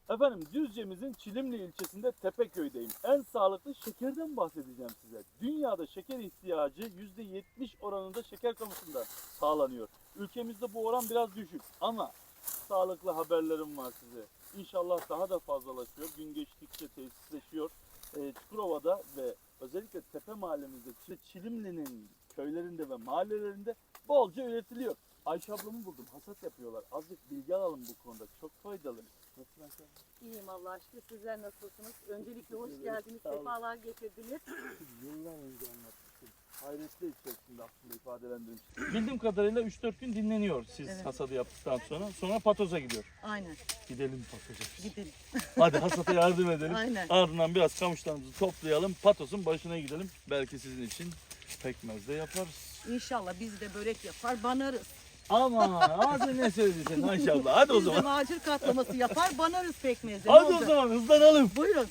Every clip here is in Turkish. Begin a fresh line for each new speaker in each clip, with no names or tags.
Efendim Düzce'mizin Çilimli ilçesinde Tepeköy'deyim. En sağlıklı şekerden bahsedeceğim size. Dünyada şeker ihtiyacı %70 oranında şeker kamışından sağlanıyor. Ülkemizde bu oran biraz düşük ama sağlıklı haberlerim var size. İnşallah daha da fazlalaşıyor. Gün geçtikçe tesisleşiyor. Çukurova'da ve özellikle Tepe mahallemizde Çilimli'nin köylerinde ve mahallelerinde bolca üretiliyor. Ayşe ablamı buldum. Hasat yapıyorlar. Azıcık bilgi alalım bu konuda. Çok faydalı. Nasılsın Ayşe abla?
İyiyim Allah aşkına. Sizler nasılsınız? Öncelikle hoş geldiniz. Sefalar getirdiniz.
Yıllar önce anlatmıştım. Hayretler içerisinde aslında ifadelendirmiştim. Bildiğim kadarıyla 3-4 gün dinleniyor siz
Evet.
hasadı yaptıktan sonra. Sonra patoza gidiyor.
Aynen.
Gidelim patoza.
Gidelim.
Hadi hasata yardım edelim.
Aynen.
Ardından biraz kamışlarımızı toplayalım. Patozun başına gidelim. Belki sizin için pekmez de yaparız.
İnşallah biz de börek yapar, banarız.
Aman hadi ne söyleyeceksin Ayşe abla. Hadi o
Biz de
zaman.
macir katlaması yapar, banarız pekmezle.
Hadi o zaman hızlanalım.
Buyurun.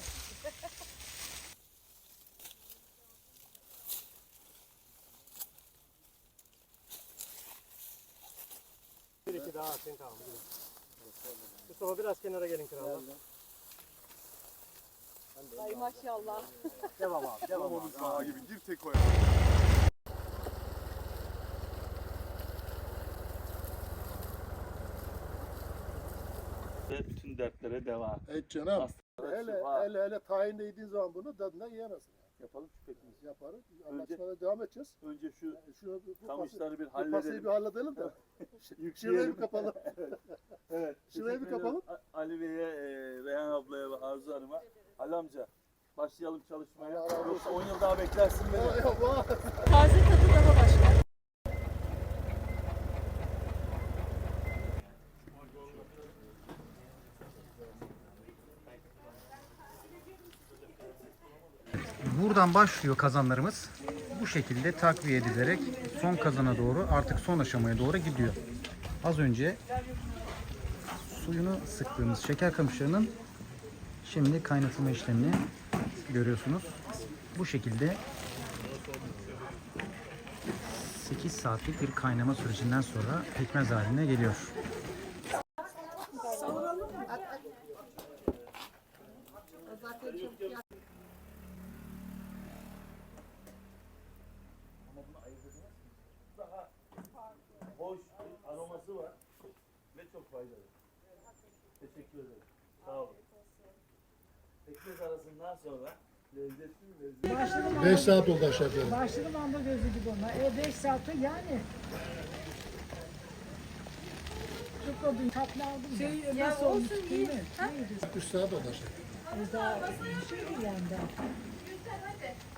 Bir iki daha atın kaldı. Mustafa biraz kenara gelin kralım.
Ay maşallah.
Devam abi. Devam abi.
Sağa gibi gir tek koy.
Ve bütün dertlere devam.
Evet canım.
Hastalara
Hele
şifa.
hele tahinle yediğin zaman bunu tadına yiyemezsin.
Yapalım şu pekmezi.
Yaparız.
Önce-
Anlaşmada devam edeceğiz.
Önce şu
Şu bu
kamışları bir
pasayı
halledelim.
bir halledelim de. Şurayı
Yükleyelim.
bir kapalım.
Evet.
Şurayı bir
teşekkür
kapalım.
ederim. Ali Bey'e, Reyhan ablaya ve Arzu Hanım'a. Ali amca başlayalım çalışmaya.
Allah razı olsun.
Yoksa 10 yıl daha beklersin beni.
Vay.
Taze tadı daha başka.
Buradan başlıyor kazanlarımız. Bu şekilde takviye edilerek son kazana doğru, artık son aşamaya doğru gidiyor. Az önce suyunu sıktığımız şeker kamışlarının şimdi kaynatılma işlemini görüyorsunuz. Bu şekilde 8 saatlik bir kaynama sürecinden sonra pekmez haline geliyor.
Ama bunu ayırt edemezsiniz. Daha hoş bir aroması var ve çok faydalı. Teşekkür ederim. Sağ olun. Pekmez arasından sonra lezzetli mi lezzetli?
5 saat oldu aşağı yukarı.
Başladım anda gözü gibi ona. 5 saate yani. Çok o gün tatlı aldım. Nasıl olmuş değil mi?
3 saat oldu aşağı yukarı.
Daha bir şey değil yani daha.